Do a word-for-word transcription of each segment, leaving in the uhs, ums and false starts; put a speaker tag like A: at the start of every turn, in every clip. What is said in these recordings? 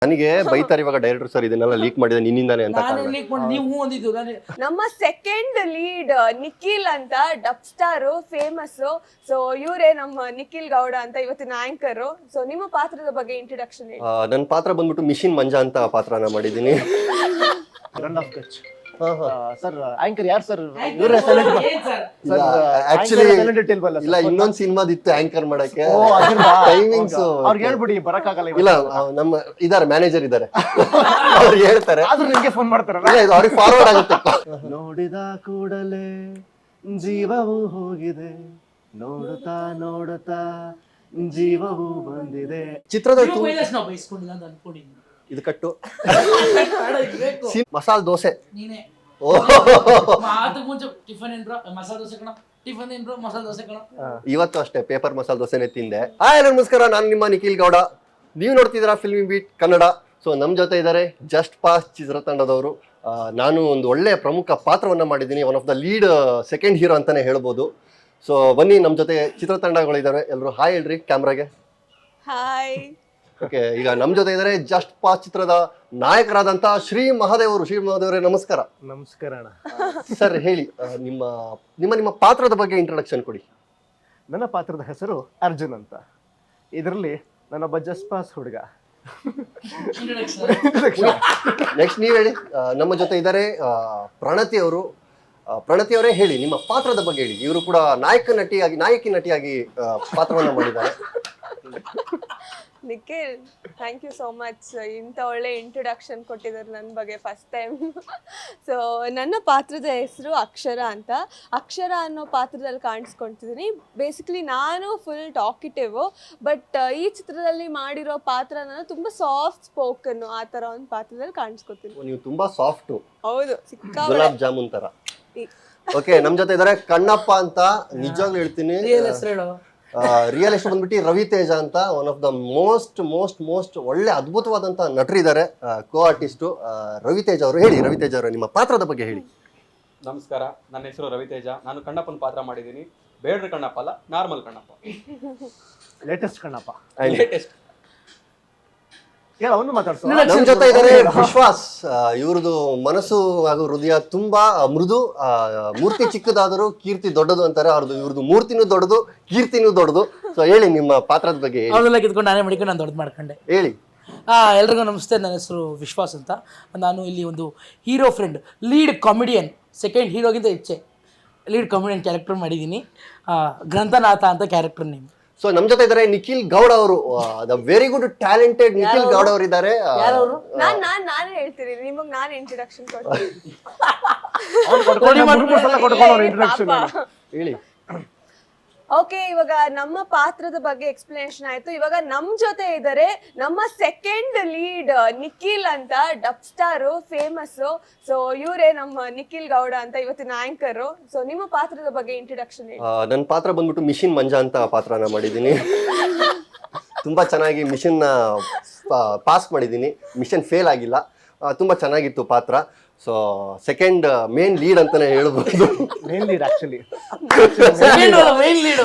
A: ನನಗೆ ಬೈತಾರೆ ಇವಾಗ ಡೈರೆಕ್ಟರ್ ಸರ್ ಇದನ್ನೆಲ್ಲ ಲೀಕ್ ಮಾಡಿದೆ ನಿನ್ನಿಂದಾನೆ ಅಂತ
B: ನಾನು ಲೀಕ್ ಮಾಡಿ ನೀವು ಹೂ ಅಂದಿದ್ದು ನಾನು
C: ನಮ್ಮ ಸೆಕೆಂಡ್ ಲೀಡ್ ನಿಖಿಲ್ ಅಂತ ಡಬ್ ಸ್ಟಾರ್ ಫೇಮಸ್. ಸೊ ಇವರೇ ನಮ್ಮ ನಿಖಿಲ್ ಗೌಡ ಅಂತ ಇವತ್ತಿನ ಆಂಕರ್. ಸೊ ನಿಮ್ಮ ಪಾತ್ರದ ಬಗ್ಗೆ ಇಂಟ್ರೊಡಕ್ಷನ್ ಹೇಳಿ.
A: ನನ್ನ ಪಾತ್ರ ಬಂದ್ಬಿಟ್ಟು ಮಿಷಿನ್ ಮಂಜಾ ಅಂತ ಪಾತ್ರನ ಮಾಡಿದ್ದೀನಿ.
D: ರನ್ ಆಫ್ ಕಚ್
A: ಹಾ, ಹಾ.
D: ಸರ್ ಆಂಕರ್ ಯಾರು ಸರ್?
B: ಇವ್ರೇ
A: ಇಲ್ಲ, actually ಇಲ್ಲ ಇನ್ನೊಂದ್ ಸಿನಿಮಾದಿತ್ತು ಆಂಕರ್ ಮಾಡಕ್ಕೆ ಟೈಮಿಂಗ್ಸ್
D: ಅವ್ರಿಗೆ ಹೇಳ್ಬಿಡಿ ಬರಕ್ಕಾಗಲ್ಲ
A: ಇಲ್ಲ ಆ, ನಮ್ಮ ಇದಾರೆ ಮ್ಯಾನೇಜರ್ ಇದಾರೆ ಅವ್ರು ಹೇಳ್ತಾರೆ
D: ಆದ್ರೂ ನಿಮ್ಗೆ ಫೋನ್ ಮಾಡ್ತಾರಲ್ಲ.
A: ಇಲ್ಲ, ಇದು ಅವ್ರಿಗೆ ಫಾರ್ವರ್ಡ್ ಆಗುತ್ತೆ.
D: ನೋಡಿದ ಕೂಡಲೇ ಜೀವವು ಹೋಗಿದೆ, ನೋಡುತ್ತಾ ನೋಡುತ್ತಾ ಜೀವವು ಬಂದಿದೆ.
A: ಚಿತ್ರದ
B: ನಾವು ಬೈಸ್ಕೊಂಡಿಲ್ಲ ಅಂತ ಅನ್ಕೊಂಡಿದ್ದೀನಿ.
A: ಇದು ಕಟ್ಟು
B: ಬೇಡ, ಇದು ಬೇಕು.
A: ಮಸಾಲೆ ದೋಸೆ.
B: ನೀನೇ
A: ಓ
B: ಮಾತು ಮುಂಚೆ ಟಿಫನ್ ಏನ್ ಬ್ರೋ ಮಸಾಲೆ ದೋಸೆ ಕಣ, ಟಿಫನ್ ಏನ್ ಬ್ರೋ ಮಸಾಲೆ ದೋಸೆ ಕಣ.
A: ಇವತ್ತು ಅಷ್ಟೇ ಪೇಪರ್ ಮಸಾಲೆ ದೋಸೆನೆ ತಿಂದೆ. ಹಾಯ್ ನಮಸ್ಕಾರ, ನಾನು ನಿಮ್ಮ ನಿಖಿಲ್ ಗೌಡ. ನೀವು ನೋಡ್ತಿದ್ದೀರಾ ಫಿಲ್ಮಿ ಬೀಟ್ ಕನ್ನಡ. ಸೊ ನಮ್ಮ ಜೊತೆ ಇದ್ದಾರೆ ಜಸ್ಟ್ ಪಾಸ್ ಚಿತ್ರತಂಡದವರು. ನಾನು ಒಂದು ಒಳ್ಳೆಯ ಪ್ರಮುಖ ಪಾತ್ರವನ್ನು ಮಾಡಿದ್ದೀನಿ, one of the lead second hero ಅಂತಾನೆ ಹೇಳ್ಬೋದು. ಸೊ ಬನ್ನಿ, ನಮ್ಮ ಜೊತೆ ಚಿತ್ರತಂಡಗಳಿದ್ದಾರೆ. ಎಲ್ಲರೂ ಹಾಯ್ ಹೇಳ್ರಿ ಕ್ಯಾಮ್ರಾಗೆ.
C: ಹಾಯ್.
A: ಓಕೆ, ಈಗ ನಮ್ಮ ಜೊತೆ ಇದ್ದಾರೆ ಜಸ್ಟ್ ಪಾಸ್ ಚಿತ್ರದ ನಾಯಕರಾದಂಥ ಶ್ರೀ ಮಹಾದೇವರು. ಶ್ರೀ ಮಹಾದೇವರೇ ನಮಸ್ಕಾರ.
D: ನಮಸ್ಕಾರ ಅಣ್ಣ.
A: ಸರ್ ಹೇಳಿ, ಆ, ನಿಮ್ಮ ನಿಮ್ಮ ನಿಮ್ಮ ಪಾತ್ರದ ಬಗ್ಗೆ ಇಂಟ್ರೊಡಕ್ಷನ್ ಕೊಡಿ.
D: ನನ್ನ ಪಾತ್ರದ ಹೆಸರು ಅರ್ಜುನ್ ಅಂತ. ಇದರಲ್ಲಿ ನಾನೊಬ್ಬ ಜಸ್ಟ್ ಪಾಸ್ ಹುಡುಗ.
A: ನೆಕ್ಸ್ಟ್ ನೀವು ಹೇಳಿ. ಆ, ನಮ್ಮ ಜೊತೆ ಇದ್ದಾರೆ ಆ, ಪ್ರಣತಿ ಅವರು. ಆ, ಪ್ರಣತಿ ಅವರೇ ಹೇಳಿ, ನಿಮ್ಮ ಪಾತ್ರದ ಬಗ್ಗೆ ಹೇಳಿ. ಇವರು ಕೂಡ ನಾಯಕ ನಟಿಯಾಗಿ ನಾಯಕಿ ನಟಿಯಾಗಿ ಆ, ಪಾತ್ರವನ್ನು ಮಾಡಿದ್ದಾರೆ.
C: Nikhil, thank you so much. ಇಂಥ ಒಳ್ಳೆ ಇಂಟ್ರೊಡಕ್ಷನ್ ಕೊಟ್ಟಿದ್ದಾರೆ ನನ್ನ ಬಗ್ಗೆ ಫಸ್ಟ್ ಟೈಮ್. ಸೊ ನನ್ನ ಪಾತ್ರದ ಹೆಸರು ಅಕ್ಷರ ಅಂತ. ಅಕ್ಷರ ಅನ್ನೋ ಪಾತ್ರದಲ್ಲಿ ಕಾಣಿಸ್ಕೊಳ್ತಿದ್ದೀನಿ. ಬೇಸಿಕಲಿ ನಾನು ಫುಲ್ ಟಾಕಿಟಿವ್, ಬಟ್ ಈ ಚಿತ್ರದಲ್ಲಿ ಮಾಡಿರೋ ಪಾತ್ರ ನಾನು ತುಂಬ ಸಾಫ್ಟ್ ಸ್ಪೋಕನ್, ಆ ಥರ ಒಂದು ಪಾತ್ರದಲ್ಲಿ ಕಾಣಿಸ್ಕೊತೀನಿ.
A: ನೀವು ತುಂಬಾ ಸಾಫ್ಟ್,
C: ಹೌದು, ಸಿಕ್ಕಾ
A: ಗುಲಾಬ್ ಜಾಮೂನ್ ತರ. ಓಕೆ, ನಮ್ಮ ಜೊತೆ ಇದ್ದಾರೆ ಕಣ್ಣಪ್ಪ ಅಂತ. ನಿಜವಾಗ್ಲೂ ಹೇಳ್ತೀನಿ,
B: ಹೆಸರು ಹೇಳು.
A: ರಿಯಲ್ ಎಸ್ಟ್ ಬಂದ್ಬಿಟ್ಟು ರವಿ ತೇಜ ಅಂತ, one of the most most most ಒಳ್ಳೆ ಅದ್ಭುತವಾದಂತ ನಟರಿದ್ದಾರೆ, ಕೋ ಆರ್ಟಿಸ್ಟು ರವಿ ತೇಜ ಅವರು. ಹೇಳಿ ರವಿ ತೇಜ ಅವರು, ನಿಮ್ಮ ಪಾತ್ರದ ಬಗ್ಗೆ ಹೇಳಿ.
E: ನಮಸ್ಕಾರ, ನನ್ನ ಹೆಸರು ರವಿತೇಜ. ನಾನು ಕಣ್ಣಪ್ಪನ ಪಾತ್ರ ಮಾಡಿದ್ದೀನಿ. ಬೇಡ್ರ ಕಣ್ಣಪ್ಪ ಅಲ್ಲ, normal Kannappa.
D: Latest Kannappa.
E: Latest.
D: ಹೇಳ ಅವನು ಮಾತಾಡ್ಸೋ.
A: ನಮ್ಮ ಜೊತೆ ಇದ್ದಾರೆ ವಿಶ್ವಾಸ್. ಇವ್ರದ್ದು ಮನಸ್ಸು ಹಾಗೂ ಹೃದಯ ತುಂಬಾ ಮೃದು. ಆ, ಮೂರ್ತಿ ಚಿಕ್ಕದಾದರೂ ಕೀರ್ತಿ ದೊಡ್ಡದು ಅಂತಾರೆ. ಅವ್ರದ್ದು ಇವ್ರದ್ದು ಮೂರ್ತಿನೂ ದೊಡ್ಡದು, ಕೀರ್ತಿನೂ ದೊಡ್ಡದು. ಸೊ ಹೇಳಿ ನಿಮ್ಮ ಪಾತ್ರದ ಬಗ್ಗೆ ಹೇಳಿ.
B: ಅವನ್ನೆಲ್ಲ ಕಿತ್ಕೊಂಡು ನಾನೇ ಮಾಡಿಕೊಂಡು ನಾನು ದೊಡ್ಡದು ಮಾಡ್ಕೊಂಡೆ.
A: ಹೇಳಿ.
B: ಹಾಂ, ಎಲ್ರಿಗೂ ನಮಸ್ತೆ. ನನ್ನ ಹೆಸರು ವಿಶ್ವಾಸ್ ಅಂತ. ನಾನು ಇಲ್ಲಿ ಒಂದು hero friend, lead comedian, second ಹೀರೋಗಿಂತ ಹೆಚ್ಚೆ ಲೀಡ್ ಕಾಮಿಡಿಯನ್ ಕ್ಯಾರೆಕ್ಟರ್ ಮಾಡಿದ್ದೀನಿ. ಗ್ರಂಥನಾಥ ಅಂತ ಕ್ಯಾರೆಕ್ಟರ್ ನೇಮ್.
A: ಸೊ ನಮ್ಮ ಜೊತೆ ಇದ್ದಾರೆ ನಿಖಿಲ್ ಗೌಡ ಅವರು. The very good talented Nikhil Gowda ಅವರು ಇದ್ದಾರೆ.
B: ಯಾರವರು?
C: ನಾನ್ ನಾನ್ ನಾನೇ ಹೇಳ್ತೀನಿ, ನಿಮಗ್ ನಾನು ಇಂಟ್ರೊಡಕ್ಷನ್ ಕೊಡ್ತೀನಿ.
D: ಇಂಟ್ರೊಡಕ್ಷನ್
A: ಹೇಳಿ.
C: ಓಕೆ, ಇವಾಗ ನಮ್ಮ ಪಾತ್ರದ ಬಗ್ಗೆ ಎಕ್ಸ್ಪ್ಲನೇಷನ್ ಆಯ್ತು. ಇವಾಗ ನಮ್ ಜೊತೆ ಇದ್ದಾರೆ ನಮ್ಮ ಸೆಕೆಂಡ್ ಲೀಡ್ ನಿಖಿಲ್ ಅಂತ ಡಬ್ ಸ್ಟಾರ್ ಫೇಮಸ್. ಸೊ ಇವರೇ ನಮ್ಮ ನಿಖಿಲ್ ಗೌಡ ಅಂತ ಇವತ್ತಿನ ಆಂಕರ್. ಸೊ ನಿಮ್ಮ ಪಾತ್ರದ ಬಗ್ಗೆ ಇಂಟ್ರೊಡಕ್ಷನ್ ಹೇಳಿ.
A: ನನ್ನ ಪಾತ್ರ ಬಂದ್ಬಿಟ್ಟು ಮಿಷಿನ್ ಮಂಜಾ ಅಂತ ಪಾತ್ರನ ಮಾಡಿದ್ದೀನಿ. ತುಂಬಾ ಚೆನ್ನಾಗಿ ಮಿಷನ್ ಪಾಸ್ ಮಾಡಿದ್ದೀನಿ. ಮಿಷನ್ ಫೇಲ್ ಆಗಿಲ್ಲ. ಆ, ತುಂಬಾ ಚೆನ್ನಾಗಿತ್ತು ಪಾತ್ರ. ಸೊ ಸೆಕೆಂಡ್ ಮೇನ್ ಲೀಡ್ ಅಂತಾನೆ ಹೇಳ್ಬೋದು.
D: Main lead actually.
B: Main lead.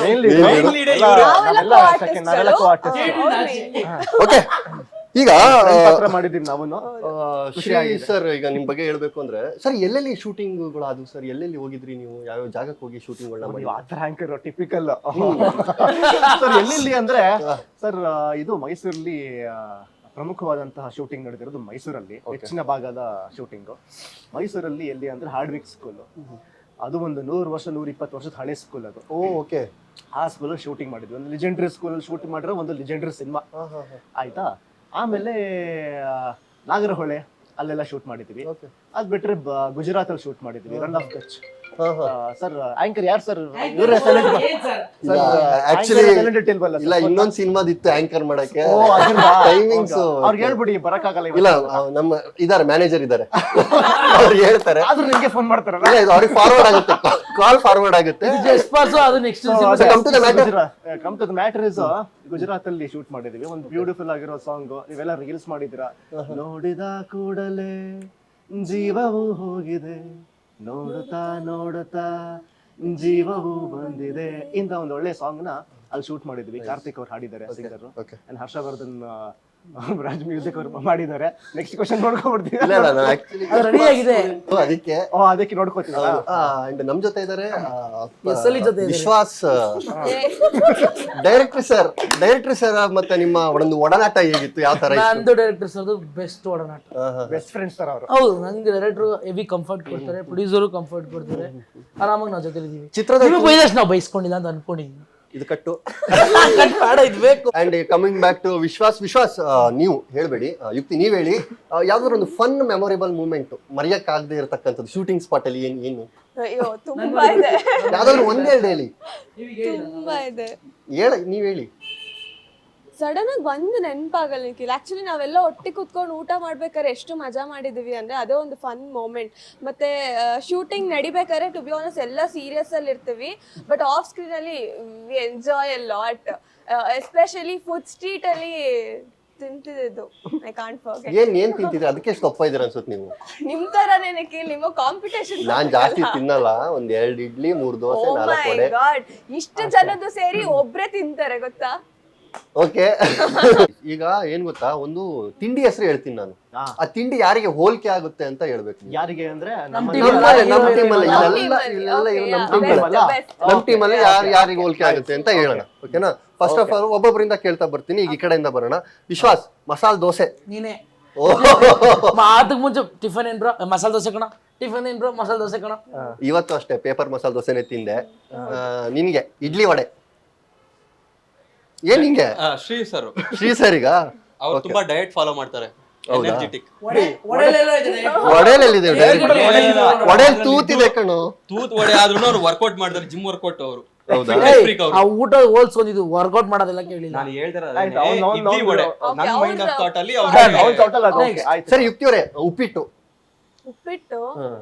A: Okay, ಈಗ
D: ಪಾತ್ರ ಮಾಡಿದೀವಿ ನಾವು.
A: ಶ್ರೀ ಸರ್, ಈಗ ನಿಮ್ ಬಗ್ಗೆ ಹೇಳ್ಬೇಕು ಅಂದ್ರೆ ಸರ್, ಎಲ್ಲೆಲ್ಲಿ ಶೂಟಿಂಗ್ಗಳು ಆದವು ಸರ್? ಎಲ್ಲೆಲ್ಲಿ ಹೋಗಿದ್ರಿ ನೀವು? ಯಾವ್ಯಾವ ಜಾಗಕ್ಕೆ ಹೋಗಿ ಶೂಟಿಂಗ್ಗಳನ್ನ ಮಾಡಿ?
D: ಆತರ ಆಂಕರ್ ಟಿಪಿಕಲ್ ಸರ್. ಎಲ್ಲೆಲ್ಲಿ ಅಂದ್ರೆ ಸರ್, ಇದು ಮೈಸೂರಲ್ಲಿ ಪ್ರಮುಖವಾದಂತಹ ಶೂಟಿಂಗ್ ನಡೆದಿರೋದು ಮೈಸೂರಲ್ಲಿ. ಹೆಚ್ಚಿನ ಭಾಗದ ಶೂಟಿಂಗು ಮೈಸೂರಲ್ಲಿ. ಎಲ್ಲಿ ಅಂದ್ರೆ ಹಾರ್ಡ್ವಿಕ್ ಸ್ಕೂಲ್. ಅದು ಒಂದು ನೂರು ವರ್ಷ ನೂರ ಇಪ್ಪತ್ತು ವರ್ಷದ ಹಳೆ ಸ್ಕೂಲ್ ಅದು.
A: Oh okay.
D: ಆ ಸ್ಕೂಲಲ್ಲಿ ಶೂಟಿಂಗ್ ಮಾಡಿದ್ವಿ. ಒಂದು ಲಿಜೆಂಡ್ರಿ ಸ್ಕೂಲಲ್ಲಿ ಶೂಟಿಂಗ್ ಮಾಡಿರೋ ಒಂದು ಲಿಜೆಂಡ್ರಿ ಸಿನಿಮಾ ಆಯ್ತಾ. ಆಮೇಲೆ ನಾಗರಹೊಳೆ ಅಲ್ಲೆಲ್ಲ ಶೂಟ್ ಮಾಡಿದ್ವಿ. ಅದ್ ಬಿಟ್ರೆ ಗುಜರಾತ್ ಅಲ್ಲಿ ಶೂಟ್ ಮಾಡಿದ್ವಿ, Rann of Kutch. Sir anchor ಯಾರು ಸರ್? ಇವ್ರೇ
A: ಆಕ್ಚುಲಿ ಇಲ್ಲ ಇನ್ನೊಂದ್ ಸಿನಿಮಾದಿತ್ತು ಆಂಕರ್ ಮಾಡಕ್ಕೆ ಟೈಮಿಂಗ್ಸ್.
D: ಅವ್ರಿಗೆ ಹೇಳ್ಬಿಡಿ ಬರಕ್ಕಾಗಲ್ಲ.
A: ಇಲ್ಲ, ನಮ್ಮ ಇದಾರೆ ಮ್ಯಾನೇಜರ್ ಇದಾರೆ, ಅವ್ರು ಹೇಳ್ತಾರೆ.
D: ಆದ್ರೂ ನಿಮ್ಗೆ ಫೋನ್ ಮಾಡ್ತಾರಲ್ಲ.
A: ಇಲ್ಲ, ಇದು ಅವ್ರಿಗೆ ಫಾರ್ವರ್ಡ್ ಆಗುತ್ತೆ, ಕಾಲ್ ಫಾರ್ವರ್ಡ್ ಆಗುತ್ತೆ.
B: Just pass. ಅದು next
D: come to the matter is Gujarat ಅಲ್ಲಿ ಶೂಟ್ ಮಾಡಿದೀವಿ. ಒಂದು ಬ್ಯೂಟಿಫುಲ್ ಆಗಿರೋ ಸಾಂಗ್. ನೀವೆಲ್ಲ ರೀಲ್ಸ್ ಮಾಡಿದಿರಾ. ನೋಡಿದ ಕೂಡಲೇ ಜೀವವು ಹೋಗಿದೆ, ನೋಡುತ್ತಾ ನೋಡುತ್ತಾ ಜೀವವು ಬಂದಿದೆ ಇಂತ ಒಂದು ಒಳ್ಳೆ ಸಾಂಗ್ ನ ಅಲ್ಲಿ ಶೂಟ್ ಮಾಡಿದ್ವಿ. ಕಾರ್ತಿಕ್ ಅವ್ರು ಹಾಡಿದ್ದಾರೆ, singer. And Harshavardhan Raj music ಅವರು ಮಾಡಿದ್ದಾರೆ. ನೆಕ್ಸ್ಟ್ ಕ್ವಶನ್ ನೋಡ್ಕೊಂಡ್ಬಿಡ್ತೀವಿ.
A: ಇಲ್ಲ ಇಲ್ಲ ನಾನು ಆಕ್ಚುಲಿ
B: ಅದು ರೆಡಿ ಆಗಿದೆ.
A: ಅದಕ್ಕೆ
D: ಓ ಅದಕ್ಕೆ ನೋಡ್ಕೋತೀವಿ.
A: ಅಂಡ್ ನಮ್ ಜೊತೆ ಇದಾರೆ
B: ಎಸ್ ಎಲ್ ಇ ಜೊತೆ ಇದ್ದಾರೆ.
A: Vishwas director sir. Director sir ಮತ್ತೆ ನಿಮ್ಮ ಒಂದು ಒಡನಾಟ ಹೇಗಿತ್ತು, ಯಾವ ತರ ಇತ್ತು?
B: ನಂದು ಡೈರೆಕ್ಟರ್ ಸರ್ದು ಬೆಸ್ಟ್ ಒಡನಾಟ.
D: ಬೆಸ್ಟ್ ಫ್ರೆಂಡ್ಸ್ ತರ ಅವರು.
B: ಹೌದು, ನಂಗೆ ಡೈರೆಕ್ಟರ್ ಹೆವಿ ಕಂಫರ್ಟ್ ಕೊಡ್ತಾರೆ, ಪ್ರೊಡ್ಯೂಸರು ಕಂಫರ್ಟ್ ಕೊಡ್ತಾರೆ, ಆರಾಮಾಗಿ ನಾವು ಜೊತೆ ಇದ್ದೀವಿ.
A: ಚಿತ್ರದ
B: ನಿಮಗೆ ಬೈದಷ್ಟು ನಾವು ಬೈಸ್ಕೊಂಡಿಲ್ಲ ಅಂತ ಅನ್ಕೊಂಡಿದ್ದೀನಿ.
A: ಇದು ಕಟ್ಟು.
B: ಕಟ್ ಬೇಡ, ಇದು ಬೇಕು.
A: And coming back to Vishwas. Vishwas ನೀವು ಹೇಳ್ಬೇಡಿ, ಯುಕ್ತಿ ನೀವ್ ಹೇಳಿ. ಯಾವ್ದಾದ್ರು ಒಂದು ಫನ್ ಮೆಮೊರೇಬಲ್ ಮೂಮೆಂಟ್ ಮರೆಯಕ್ಕಾಗದೆ ಇರತಕ್ಕಂಥದ್ದು ಶೂಟಿಂಗ್ ಸ್ಪಾಟ್ ಅಲ್ಲಿ ಏನ್ ಏನು
C: ಅಯ್ಯೋ ತುಂಬಾ ಇದೆ,
A: ಯಾವ್ದಾದ್ರು ಒಂದೇ ಎರಡು ಹೇಳಿ.
C: ತುಂಬಾ ಇದೆ.
A: ಹೇಳ ನೀವ್ ಹೇಳಿ.
C: ಸಡನ್ ಆಗಿ ಒಂದು ನೆನಪಾಗಲ್ಲ ನಿಖಿಲ್. ಆಕ್ಚುಲಿ ನಾವೆಲ್ಲ ಒಟ್ಟಿಗೆ ಕುತ್ಕೊಂಡು ಊಟ ಮಾಡ್ಬೇಕಾದ್ರೆ ಎಷ್ಟು ಮಜಾ ಮಾಡಿದೀವಿ ಅಂದ್ರೆ ಅದೇ ಒಂದು ಫನ್ ಮೂಮೆಂಟ್. ಮತ್ತೆ ಶೂಟಿಂಗ್ ನಡಿಬೇಕಾದ್ರೆ ಟು ಬಿ ಆನೆಸ್ಟ್ ಎಲ್ಲ ಸೀರಿಯಸ್ ಅಲ್ಲಿ ಇರ್ತೀವಿ, ಬಟ್ ಆಫ್ ಸ್ಕ್ರೀನ್ ಅಲ್ಲಿ we enjoy a lot. Especially food street ಅಲ್ಲಿ ತಿಂತಿದ್ದು ಐ ಕಾಂಟ್ ಫರ್ಗೆಟ್.
A: ಏನ್ ಏನ್ ತಿಂತಿದ್ರೆ ಅದಕ್ಕೆ ಎಷ್ಟು ತಪ್ಪ ಇದೀರ ಅನ್ಸುತ್ತೆ ನೀವು.
C: ನಿಮ್ ತರನೇ ನಿಖಿಲ್, ನಿಮ್ಮ ಕಾಂಪಿಟೇಷನ್.
A: ನಾನ್ ಜಾಸ್ತಿ ತಿನ್ನಲ್ಲ, ಒಂದ್ ಎರಡ್ ಇಡ್ಲಿ ಮೂರ್ ದೋಸೆ ನಾಲ್ಕು ವಡೆ.
C: ಗಾಡ್, ಇಷ್ಟು ಜನದ್ದು ಸೇರಿ ಒಬ್ರೇ ತಿಂತಾರೆ ಗೊತ್ತಾ.
A: ಓಕೆ. ಈಗ ಏನ್ ಗೊತ್ತಾ, ಒಂದು ತಿಂಡಿ ಹೆಸರು ಹೇಳ್ತೀನಿ ನಾನು. ಆ ತಿಂಡಿ ಯಾರಿಗೆ ಹೋಲಿಕೆ ಆಗುತ್ತೆ ಅಂತ ಹೇಳ್ಬೇಕು ನೀವು.
D: ಯಾರಿಗೆ ಅಂದ್ರೆ
B: ನಮ್ಮ
D: ನಮ್ಮ
B: team
A: ನಮ್ಮಲ್ಲಿ, ನಮ್ಮ ಟೀಮ್ ಅಲ್ಲಿ
C: ನಮ್ಮ
A: ಇಲ್ಲೆಲ್ಲ
C: team ಅಲ್ಲಿ,
A: ಇಲ್ಲೆಲ್ಲ
C: okay,
A: ಇರೋ
C: yeah,
A: ನಮ್ಮ ಟೀಮ್
C: best,
A: ಅಲ್ಲಿ
C: best.
A: ನಮ್ಮ ಟೀಮ್ ಅಲ್ಲಿ ಯಾರು ಯಾರಿಗೆ ಹೋಲಿಕೆ ಆಗುತ್ತೆ ಅಂತ ಹೇಳೋಣ. ಓಕೆನಾ? ಫಸ್ಟ್ ಆಫ್ ಆಲ್ ಒಬ್ಬೊಬ್ಬರಿಂದ ಕೇಳ್ತಾ ಬರ್ತೀನಿ. ಈಗ ಈ ಕಡೆಯಿಂದ ಬರೋಣ. ವಿಶ್ವಾಸ್, ಮಸಾಲ್ ದೋಸೆ.
B: ನೀನೇ
A: ಓಹ್,
B: ಮಾತಕ್ಕೆ ಮುಂಚೆ ಟಿಫನ್ ಏನ್ ಬ್ರೋ, ಮಸಾಲೆ ದೋಸೆ ಕಣ. ಟಿಫನ್ ಏನ್ ಬ್ರೋ, ಮಸಾಲೆ ದೋಸೆ ಕಣ.
A: ಇವತ್ತು ಅಷ್ಟೇ ಪೇಪರ್ ಮಸಾಲ್ ದೋಸೆನೆ ತಿಂದೆ. ಆ, ನಿನ್ಗೆ ಇಡ್ಲಿ ವಡೆ. ಏನ್ ಹಿಂಗೆ?
E: ಆ, ಶ್ರೀ ಸರ್
A: ಶ್ರೀ ಸರಿಗ
E: ಅವ್ರು ತುಂಬಾ ಡಯಟ್ ಫಾಲೋ ಮಾಡ್ತಾರೆ. ಎನರ್ಜೆಟಿಕ್.
A: ವಡೆಯಲ್ಲಿದೆ ವಡೆಯಲ್ಲಿ ತೂತಿದೆ ಕಣು.
E: ತೂತ್ ವಡೆ ಆದ್ರೂ ಅವ್ರು ವರ್ಕೌಟ್ ಮಾಡ್ತಾರೆ, ಜಿಮ್ ವರ್ಕೌಟ್ ಅವರು.
A: ಹೌದಾ?
B: ಆ ಊಟ ಹೋಲ್ಸ್ಕೊಂಡಿದ್ದು ವರ್ಕೌಟ್ ಮಾಡೋದೆಲ್ಲ ಕೇಳಿಲ್ಲ.
E: ನಾನು ಹೇಳ್ತಾರೆ
D: ಆಯ್ತು, ಅವ್ನು- ಅವ್ನು-
E: ಇಡ್ಲಿ ವಡೆ
C: ಅವ್ನು-
E: ನನ್ನ
C: ಅವ್ನು-
E: ಮೈಂಡ್ ಆಫ್ ಥಾಟ್ ಅಲ್ಲಿ
D: ಅವ್ನು
E: ಅವ್ರು
D: total ಅದು okay, ಆಯ್ತು.
A: ಸರಿ ಯುಕ್ತಿಯವರೇ, ಉಪ್ಪಿಟ್ಟು.
C: ಉಪ್ಪಿಟ್ಟು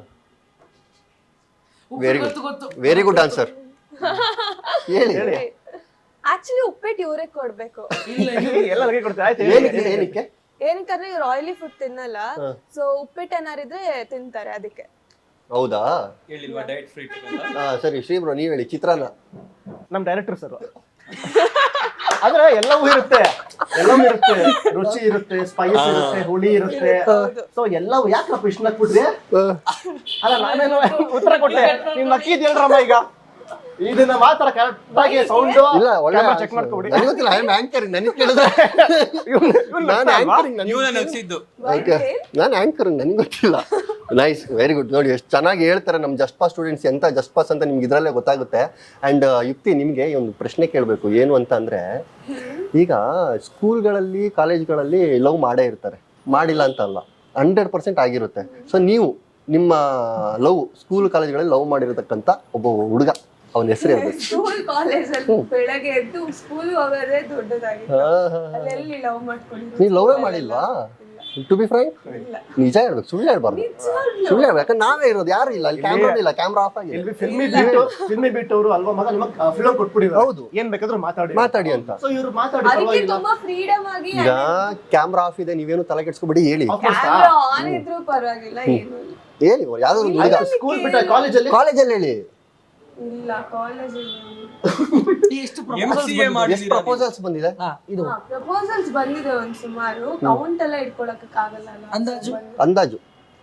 A: ವೆರಿ
B: ಗೊತ್ತು
A: ಗುಡ್,
B: ಗೊತ್ತು.
A: Very good answer. ಹೇಳಿ.
C: ಆಕ್ಚುಲಿ ಉಪ್ಪಿಟ್ಟು ಇವ್ರಿಗೆ ಕೊಡ್ಬೇಕು.
B: ಇಲ್ಲ,
D: ಎಲ್ಲ ಲಗ್ಗೆ ಕೊಡ್ತಾರೆ. ಆಯ್ತು ಹೇಳಿ.
A: ಏನಕ್ಕೆ ಏನಕ್ಕೆ
C: ಏನಕ್ಕಂದ್ರೆ ಇವ್ರು ಆಯಿಲಿ ಫುಡ್ ತಿನ್ನಲ್ಲ, ಸೊ ಉಪ್ಪಿಟ್ಟು ಏನಾರಿದ್ರೆ ತಿಂತಾರೆ ಅದಕ್ಕೆ.
A: ಹೌದಾ?
E: ಹೇಳಿಲ್ವಾ ಡಯಟ್ ಫ್ರೀ ಅಂತ.
A: ಹಾ ಸರಿ, ಶ್ರೀ ಬ್ರೋ ನೀವ್ ಹೇಳಿ. ಚಿತ್ರಾನ್ನ.
D: ನಮ್ ಡೈರೆಕ್ಟರ್ ಸರ್. ಆದ್ರೆ ಎಲ್ಲವೂ ಇರುತ್ತೆ, ಎಲ್ಲವೂ ಇರುತ್ತೆ. ರುಚಿ ಇರುತ್ತೆ, ಸ್ಪೈಸ್ ಇರುತ್ತೆ, ಹುಳಿ ಇರುತ್ತೆ. ಸೊ ಎಲ್ಲವೂ ಯಾಕಪ್ಪ ಇಷ್ಟ ನಕ್ಬಿಟ್ರಿ? ಅಲ್ಲ ನಾನೇನು ಉತ್ತರ ಕೊಟ್ಟೆ, ನೀವ್ ನಕ್ಕಿದ್ ಹೇಳ್ರಮ್ಮ. ಈಗ ಇದನ್ನ ಮಾತ್ರ ಕರೆಕ್ಟ್ ಆಗಿ ಸೌಂಡ್
A: ಇಲ್ಲ, ಒಳ್ಳೆ
D: ಚೆಕ್ ಮಾಡ್ಕೊಬಿಡಿ.
A: ನನಗೆ ಗೊತ್ತಿಲ್ಲ, ಐ ಆಮ್ ಆಂಕರಿಂಗ್. ನನಗೆ ಕೇಳಿದ್ರೆ ನಾನು ಆಂಕರಿಂಗ್,
E: ನೀವು ನಾನು ನಗ್ಸಿದ್ದು.
A: ಓಕೆ, ನಾನು ಆಂಕರಿಂಗ್, ನನಗೆ ಗೊತ್ತಿಲ್ಲ. Nice, very good. ನೋಡಿ ಎಷ್ಟು ಚೆನ್ನಾಗಿ ಹೇಳ್ತಾರೆ ನಮ್ಮ ಜಸ್ಟ್ ಪಾಸ್ ಸ್ಟೂಡೆಂಟ್ಸ್. ಎಂತ ಜಸ್ಟ್ ಪಾಸ್ ಅಂತ ನಿಮ್ಗೆ ಇದರಲ್ಲೇ ಗೊತ್ತಾಗುತ್ತೆ. ಆ್ಯಂಡ್ ಯುಕ್ತಿ, ನಿಮಗೆ ಒಂದು ಪ್ರಶ್ನೆ ಕೇಳಬೇಕು. ಏನು ಅಂತ ಅಂದರೆ, ಈಗ ಸ್ಕೂಲ್ಗಳಲ್ಲಿ ಕಾಲೇಜ್ಗಳಲ್ಲಿ ಲವ್ ಮಾಡೇ ಇರ್ತಾರೆ, ಮಾಡಿಲ್ಲ ಅಂತ ಅಲ್ಲ, ಹಂಡ್ರೆಡ್ ಪರ್ಸೆಂಟ್ ಆಗಿರುತ್ತೆ. ಸೊ ನೀವು ನಿಮ್ಮ ಲವ್ ಸ್ಕೂಲ್ ಕಾಲೇಜ್ಗಳಲ್ಲಿ ಲವ್ ಮಾಡಿರತಕ್ಕಂಥ ಒಬ್ಬ ಹುಡುಗ, ಅವನ ಹೆಸರು ಹೇಳ್ಬೇಕು.
C: ಸ್ಕೂಲ್ ಕಾಲೇಜ್ ಅಲ್ಲಿ ಬೆಳಗ್ಗೆ ಎದ್ದು ಸ್ಕೂಲ್ ಹೋಗೋದೇ ದೊಡ್ಡದಾಗಿತ್ತು. ಅಲ್ಲೆಲ್ಲಿ ಲವ್ ಮಾಡ್ಕೊಂಡಿದ್ರು.
A: ನೀವು ಲವೇ ಮಾಡಿಲ್ವಾ? ಟು ಬಿ ಫ್ರೈ ನಿಜ ಹೇಳ್ಬೇಕು, ಸುಳ್ಳು ಹೇಳ್ಬಾರ್ದು. ಸುಳ್ಳು ಹೇಳ್ಬೇಕು, ಯಾಕಂದ್ರೆ ನಾವೇ ಇರೋದು, ಯಾರು ಇಲ್ಲ ಅಲ್ಲಿ. ಕ್ಯಾಮ್ರಾ ಇಲ್ಲ, ಕ್ಯಾಮ್ರಾ ಆಫ್ ಆಗಿದೆ.
D: ಫಿಲ್ಮಿ ಬಿಟ್ಟು ಫಿಲ್ಮಿ ಬಿಟ್ಟು ಅವರು ಅಲ್ವಾ ಮಗ ನಿಮಗೆ ಫಿಲ್ಮ್ ಕೊಟ್ಬಿಡಿದ್ರು.
A: ಹೌದು,
D: ಏನ್ ಬೇಕಾದ್ರೂ ಮಾತಾಡಿ
A: ಮಾತಾಡಿ ಅಂತ.
D: ಸೊ ಇವ್ರು ಮಾತಾಡಿ
C: ಅದಕ್ಕೆ
D: ಪರವಾಗಿಲ್ಲ.
C: ತುಂಬಾ ಫ್ರೀಡಮ್ ಆಗಿ
A: ಈಗ ಕ್ಯಾಮ್ರಾ ಆಫ್ ಇದೆ, ನೀವೇನು ತಲೆ ಕೆಡ್ಸ್ಕೊಬಿಡಿ, ಹೇಳಿ
C: ಕ್ಯಾಮ್ರಾ ಆನ್ ಇದ್ರೂ ಪರವಾಗಿಲ್ಲ, ಏನು ಇಲ್ಲ.
A: ಹೇಳಿ. ಯಾವ್ದೋ ಒಂದು ಹುಡುಗ
D: ಸ್ಕೂಲ್ ಬಿಟ್ಟ ಕಾಲೇಜಲ್ಲಿ
A: ಕಾಲೇಜಲ್ಲಿ ಹೇಳಿ.
C: ಇಲ್ಲ ಕಾಲೇಜ್
B: ಎಷ್ಟು
E: ಎಂ ಸಿ ಎ
A: ಎಷ್ಟು
E: ಮಾಡಿದ್ದೀರಾ ನೀವು?
A: ಪ್ರಪೋಸಲ್ಸ್ ಬಂದಿದೆ?
B: ಹಾ, ಇದು
C: ಪ್ರಪೋಸಲ್ಸ್ ಬಂದಿದೆ ಒಂದ್ ಸುಮಾರು. ಕೌಂಟ್ ಎಲ್ಲ ಇಟ್ಕೊಳಕ್ ಆಗಲ್ಲ ಅಲ್ಲ.
B: ಅಂದಾಜು
A: ಅಂದಾಜು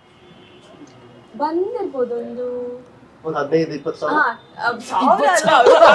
C: ಬಂದಿರ್ಬೋದು ಒಂದು
D: ಒಂದು ಹದಿನೈದು ಇಪ್ಪತ್ತು ಸಾವಿರ.
C: ಹಾ, ಅಹ್, ಸಾವಿರ ಅಲ್ಲ.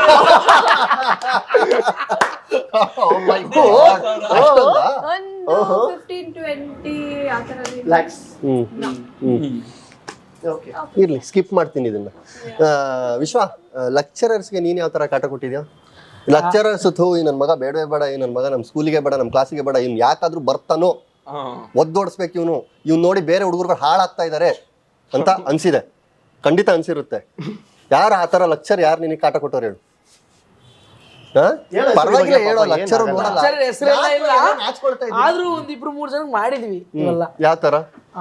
A: Oh my God. ಅಷ್ಟೊಂದಾ?
C: ಒಂದು ಫಿಫ್ಟೀನ್ ಟ್ವೆಂಟಿ ಆ ಥರ
D: ಲ್ಯಾಕ್ಸ್.
A: Hmm hmm
D: okay.
A: ಇರ್ಲಿ, ಸ್ಕಿಪ್ ಮಾಡ್ತೀನಿ ಇದನ್ನ. ಆ, ವಿಶ್ವ, ಲೆಕ್ಚರರ್ಸ್ಗೆ ನೀನ್ ಯಾವ ತರ ಕಾಟ ಕೊಟ್ಟಿದ್ಯಾ? ಲೆಕ್ಚರರ್ಸ್ ಥೂ ಈ ನನ್ನ ಮಗ ಬೇಡವೇ ಬೇಡ, ಈ ನನ್ನ ಮಗ ನಮ್ಮ ಸ್ಕೂಲಿಗೆ ಬೇಡ, ನಮ್ಮ ಕ್ಲಾಸಿಗೆ ಬೇಡ, ಇವ್ನು ಯಾಕಾದ್ರೂ ಬರ್ತಾನೋ,
E: ಹಾ.
A: ಒದ್ದೋಡಿಸ್ಬೇಕು ಇವನು, ಇವ್ನು ನೋಡಿ ಬೇರೆ ಹುಡುಗರುಗಳು ಹಾಳಾಗ್ತಾ ಇದಾರೆ ಅಂತ ಅನ್ಸಿದೆ. ಖಂಡಿತ ಅನ್ಸಿರುತ್ತೆ. ಯಾರು ಆ ತರ ಲೆಕ್ಚರ್, ಯಾರು ನಿನಗೆ ಕಾಟ ಕೊಟ್ಟವ್ರು ಹೇಳು? ಹಾ?
D: ಹೇಳು,
A: ಪರವಾಗಿಲ್ಲ
D: ಹೆಸ್ರು
A: ಹೇಳೋ.
D: ಬಗ್ಗೆ
A: ಲೆಕ್ಚರ್
D: ಏನಾಗಲ್ಲ.
A: ನೋಡಲ್ಲ,
B: ಸರ್ ಹೆಸರೆಲ್ಲ ಇಲ್ಲ,
A: ನಾಚ್ಕೊಳ್ತಾ ಇದ್ದೀನಿ.
B: ಆದ್ರೂ ಒಂದ್ ಇಬ್ರು ಮೂರ್ ಜನ ಮಾಡಿದ್ವಿ ಇವೆಲ್ಲ.
A: ಯಾವ ತರ?
B: ಆ,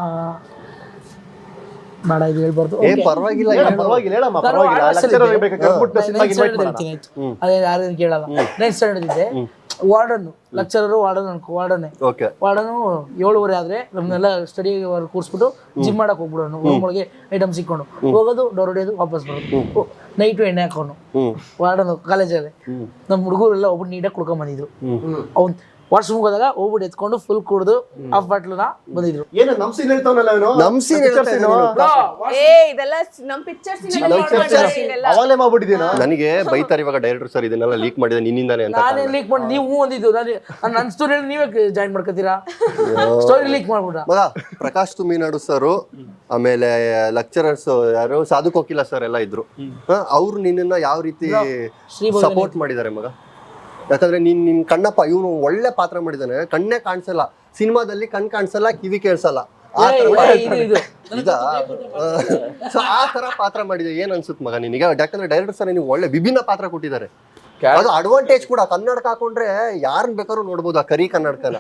B: ಬೇಡ ಇದು ಹೇಳ್ಬಾರ್ದು.
A: ಏ ಪರವಾಗಿಲ್ಲ
D: ಹೇಳ,
A: ಹೇಳು.
D: ಪರವಾಗಿಲ್ಲ ಹೇಳಮ್ಮ,
B: ನಾನು
D: ಪರವಾಗಿಲ್ಲ.
B: ಆರ್ಟ್ಸ್ ಅಲ್ಲಿ
D: ಲೆಕ್ಚರ್
B: ಇದ್ದೆ.
D: ಬೇಕಾದ್ರೆ ಕರ್ಬಿಟ್ಟು ಸಿನಿಮಾಗೆ
B: Ninth
D: invite
B: standard
D: ಮಾಡೋಣ.
B: ಹೇಳ್ತೀನಿ ಆಯ್ತು. ಅದೇ ಯಾರೇನು ಕೇಳಲ್ಲ. ನೈನ್ತ್ ಸ್ಟ್ಯಾಂಡರ್ಡ್ ಇದ್ದೆ. ವಾರ್ಡನ್ ಲೆಕ್ಚರರು, ವಾರ್ಡನ್ ಅನ್ಕೋ, ವಾರ್ಡನ್ನೇ
A: ಓಕೆ.
B: ವಾರ್ಡನು ಏಳುವರೆ ಆದ್ರೆ ನಮ್ಮನ್ನೆಲ್ಲ ಸ್ಟಡಿ ಕೂರಿಸ್ಬಿಟ್ಟು ಜಿಮ್ ಮಾಡಕ್ ಹೋಗ್ಬಿಡೋನು. ರೂಮ್ ಒಳಗೆ ಐಟಮ್ ಸಿಕ್ಕೊಂಡು ಹೋಗೋದು, ಡೋರ್ ಹೊಡೆಯೋದು, ವಾಪಸ್ ಬರೋದು. ನೈಟು ಎಣ್ಣೆ ಹಾಕೋನು
A: ಹ್ಮ್
B: ವಾರ್ಡನು ಕಾಲೇಜಲ್ಲಿ. ನಮ್ಮ ಹುಡುಗರೆಲ್ಲ ಒಬ್ಬರು ನೀಟಾಗಿ ಕುಡ್ಕೊಂಡ್ ಬಂದಿದ್ರು. ಅವ್ನು ವಾಶ್ರೂಮ್ಗೆ ಹೋದಾಗ ಹೋಗ್ಬಿಟ್ಟು ಎತ್ಕೊಂಡು ಫುಲ್ ಕುಡ್ದು ಹಾಫ್ ಬಾಟ್ಲನ್ನ ಬಂದಿದ್ರು.
D: ಏನು ನಮ್ ಸೀನ್ ಹೇಳ್ತಾವನಲ್ಲ ಇವನು
A: ನಮ್ scene ಹೇಳ್ತಾ ಇದ್ದಾನೆ.
C: ಏ ಇದೆಲ್ಲ ನಮ್ ಪಿಕ್ಚರ್ಸ್
D: ಅವಾಗಲೇ ಮಾಡ್ಬಿಟ್ಟಿದ್ದೀನಾ?
A: ನನಗೆ ಬೈತಾರೆ ಇವಾಗ ಡೈರೆಕ್ಟರ್ ಸರ್ ಇದನ್ನೆಲ್ಲ ಲೀಕ್ ಮಾಡಿದೆ ನಿನ್ನಿಂದಾನೆ ಅಂತ.
B: ನಾನೇ ಲೀಕ್ ಮಾಡಿ ನೀವು ಒಂದಿದ್ದು ನಾನು ನನ್ನ ಸ್ಟೋರಿ ನೀವೇ ಜಾಯಿನ್ ಮಾಡ್ಕೊತೀರಾ? ಸ್ಟೋರಿ ಲೀಕ್ ಮಾಡ್ಬಿಟ್ಟ
A: ಮಗ ಪ್ರಕಾಶ್ ತುಮಿನಾಡು ಸರ್, ಆಮೇಲೆ ಲೆಕ್ಚರರ್ಸ್ ಯಾರು ಸಾಧು ಕೋಕಿಲ ಸರ್ ಎಲ್ಲ ಇದ್ರು. ಅವ್ರು ನಿನ್ನ ಯಾವ ರೀತಿ ಸಪೋರ್ಟ್ ಮಾಡಿದ್ದಾರೆ ಮಗ? ಯಾಕಂದ್ರೆ ನೀನ್ ನಿನ್ ಕಣ್ಣಪ್ಪ ಇವನು ಒಳ್ಳೆ ಪಾತ್ರ ಮಾಡಿದಾನೆ, ಕಣ್ಣೇ ಕಾಣಿಸಲ್ಲ ಸಿನಿಮಾದಲ್ಲಿ, ಕಣ್ ಕಾಣಿಸಲ್ಲ, ಕಿವಿ ಕೇಳಿಸಲ್ಲ, ಆ ತರ
B: ಇದು
A: ಈಗ ಸೊ ಆ ತರ ಪಾತ್ರ ಮಾಡಿದೆ. ಏನ್ ಅನ್ಸುತ್ತೆ ಮಗ ನಿನಗೆ? ಯಾಕಂದ್ರೆ ಡೈರೆಕ್ಟರ್ ಸರ್ ನೀವು ಒಳ್ಳೆ ವಿಭಿನ್ನ ಪಾತ್ರ ಕೊಟ್ಟಿದ್ದಾರೆ. ಅದು ಅಡ್ವಾಂಟೇಜ್ ಕೂಡ. ಕನ್ನಡಕ ಹಾಕೊಂಡ್ರೆ ಯಾರನ್ನ ಬೇಕಾದ್ರೂ ನೋಡ್ಬೋದು ಆ ಕರಿ ಕನ್ನಡಕನ.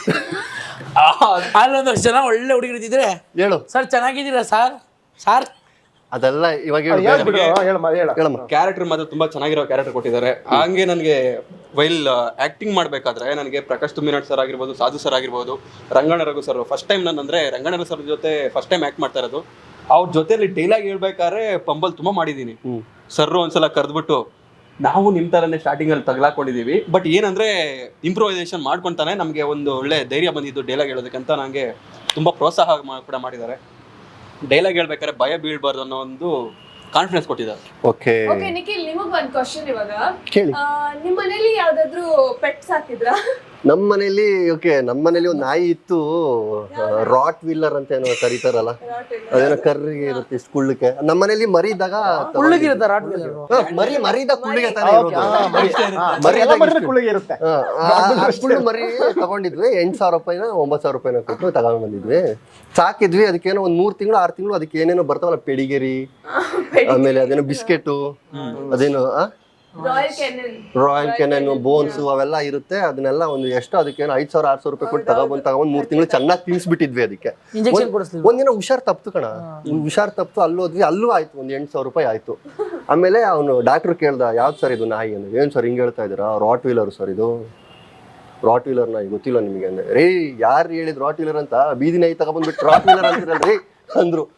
B: ಅಲ್ಲೊಂದಷ್ಟು ಜನ ಒಳ್ಳೆ ಹುಡುಗರು ಇದ್ದಿದ್ರೆ
A: ಹೇಳು
B: ಸರ್ ಚೆನ್ನಾಗಿದ್ದೀರಾ ಸರ್ ಸರ್
A: ಅದೆಲ್ಲ ಇವಾಗ ಹೇಳು.
D: ಹೇಳ್ಬಿಡು, ಹೇಳಮ್ಮ, ಹೇಳ.
A: ಹೇಳಮ್ಮ.
E: ಕ್ಯಾರೆಕ್ಟರ್ ಮಾತ್ರ ತುಂಬಾ ಚೆನ್ನಾಗಿರೋ ಕ್ಯಾರೆಕ್ಟರ್ ಕೊಟ್ಟಿದ್ದಾರೆ. ಹಂಗೆ ನನಗೆ ವೈಲ್ ಆಕ್ಟಿಂಗ್ ಮಾಡ್ಬೇಕಾದ್ರೆ ನನಗೆ ಪ್ರಕಾಶ್ ತುಮಿನಾಡ್ ಸರ್ ಆಗಿರ್ಬೋದು, ಸಾಧು ಸರ್ ಆಗಿರ್ಬೋದು, Ranganna Raghu sir first time ನಾನು ಅಂದ್ರೆ ರಂಗಣ್ಣ ಸರ್ ಜೊತೆ ಫಸ್ಟ್ ಟೈಮ್ ಆಕ್ಟ್ ಮಾಡ್ತಾ ಇರೋದು. ಅವ್ರ ಜೊತೆಲಿ ಡೈಲಾಗ್ ಹೇಳ್ಬೇಕಾದ್ರೆ ಪಂಬಲ್ ತುಂಬಾ ಮಾಡಿದೀನಿ. ಸರ್ ಒಂದ್ಸಲ ಕರೆದ್ಬಿಟ್ಟು ನಾವು ನಿಮ್ ತರನೇ ಸ್ಟಾರ್ಟಿಂಗ್ ಅಲ್ಲಿ ತಗಲಾಕೊಂಡಿದೀವಿ, ಬಟ್ ಏನಂದ್ರೆ ಇಂಪ್ರೂವೈಸೇಷನ್ ಮಾಡ್ಕೊಂತಾನೆ ನಮಗೆ ಒಂದು ಒಳ್ಳೆ ಧೈರ್ಯ ಬಂದಿದ್ದು ಡೈಲಾಗ್ ಹೇಳೋದಕ್ಕಂತ ನಂಗೆ ತುಂಬಾ ಪ್ರೋತ್ಸಾಹ ಮಾ- ಕೂಡ ಮಾಡಿದ್ದಾರೆ. ಡೈಲಾಗ್ ಹೇಳ್ಬೇಕಾದ್ರೆ ಭಯ ಬೀಳ್ಬಾರ್ದು ಅನ್ನೋ ಒಂದು ಕಾನ್ಫಿಡೆನ್ಸ್ ಕೊಟ್ಟಿದ್ದಾರೆ.
A: ಓಕೆ
C: ಓಕೆ ನಿಖಿಲ್, ನಿಮಗ್ ಒಂದ್ ಕ್ವಶನ್ ಇವಾಗ.
A: ಕೇಳಿ.
C: ಆ, ನಿಮ್ ಮನೇಲಿ ಯಾವ್ದಾದ್ರು ಪೆಟ್ಸ್ ಹಾಕಿದ್ರಾ?
A: ನಮ್ಮ ಮನೇಲಿ ಓಕೆ ನಮ್ಮ ಮನೇಲಿ ಒಂದು ನಾಯಿ ಇತ್ತು, ರಾಟ್ ವೀಲರ್ ಅಂತ ಏನೋ ಕರೀತಾರಲ್ಲ, ಅದೇನೋ ಕರ್ರಿಗೆ ಇರುತ್ತೆ ಇಷ್ಟು ಕುಳ್ಳಕ್ಕೆ. ನಮ್ಮ ಮನೇಲಿ ಮರಿ ಇದ್ದಾಗ
B: ಉಳ್ಳಗಿರುತ್ತೆ ರಾಟ್ ವೀಲರ್.
A: ಹಾ, ಮರಿ ಮರಿ ಇದ್ದಾಗ ಕುಳ್ಳಿಗೆ ತಾನೇ ಇರೋದು. ಮರಿ
D: ಎಲ್ಲ
A: ಇದ್ದಾಗ
D: ಮರಿನೂ
A: ಇಷ್ಟು.
D: ಕುಳ್ಳಿಗೆ ಇರುತ್ತೆ.
A: ಹಾ, ಆ- ಆ ಕುಳ್ಳು ಮರಿ ತಗೊಂಡಿದ್ವಿ, ಎಂಟು ಸಾವಿರ ರೂಪಾಯಿನ ಒಂಬತ್ತು ಸಾವಿರ ರೂಪಾಯಿನ ಕೊಟ್ಟು ತಗೊಂಡ್ ಬಂದಿದ್ವಿ, ಸಾಕಿದ್ವಿ. ಅದಕ್ಕೇನೋ ಒಂದ್ ಮೂರ್ ತಿಂಗಳು ಆರು ತಿಂಗಳು ಅದಕ್ಕೆ ಏನೇನೋ ಬರ್ತಾವಲ್ಲ, ಪೆಡಿಗೆರಿ, ಆಮೇಲೆ ಅದೇನೋ ಬಿಸ್ಕೆಟು, ಅದೇನೋ
C: Royal Canin,
A: Royal Canin, bones ಅವೆಲ್ಲ ಇರುತ್ತೆ. ಅದನ್ನೆಲ್ಲ ಒಂದು ಎಷ್ಟು ಅದಕ್ಕೇನೋ ಐದ್ ಸಾವಿರ ಆರ್ ಸಾವಿರ ರೂಪಾಯಿ ಕೊಟ್ಟು ತಗೊಬಂದ್ ತಗೊಂಡ್ ಮೂರ್ ತಿಂಗಳು ಚೆನ್ನಾಗಿ ತಿನ್ಸ್ಬಿಟ್ಟಿದ್ವಿ ಅದಕ್ಕೆ.
B: ಇಂಜೆಕ್ಷನ್ ಕೊಡಿಸ್ತೀವಿ.
A: ಒಂದಿನ ಹುಷಾರ್ ತಪ್ತು ಕಣ, ಹುಷಾರ್ ತಪ್ತು, ಅಲ್ಲೋದ್ವಿ, ಅಲ್ಲೂ ಆಯ್ತು ಒಂದ್ ಎಂಟು ಸಾವಿರ ರೂಪಾಯಿ ಆಯ್ತು. ಆಮೇಲೆ ಅವನು ಡಾಕ್ಟರ್ ಕೇಳ್ದ, ಯಾವ್ದು ಸರ್ ಇದು ನಾಯಿ ಅಂದ್ರೆ? ಏನ್ ಸರ್ ಹಿಂಗ್ ಹೇಳ್ತಾ ಇದ್ದೀರಾ? ರಾಟ್ ವೀಲರ್ ಸರ್ ಇದು, ರಾಟ್ ವೀಲರ್ ನಾಯಿ ಗೊತ್ತಿಲ್ಲ ನಿಮಗೆ ಅಂದ್ರೆ. ರೇ ಯಾರು ಹೇಳಿದ್ ರಾಟ್ ವೀಲರ್ ಅಂತ? ಬೀದಿ ನಾಯಿ ತಗೊಬಂದ್ಬಿಟ್ಟು ರಾಟ್ ವೀಲರ್ ಅಂತಿರಲ್ರಿ ಅಂದ್ರು.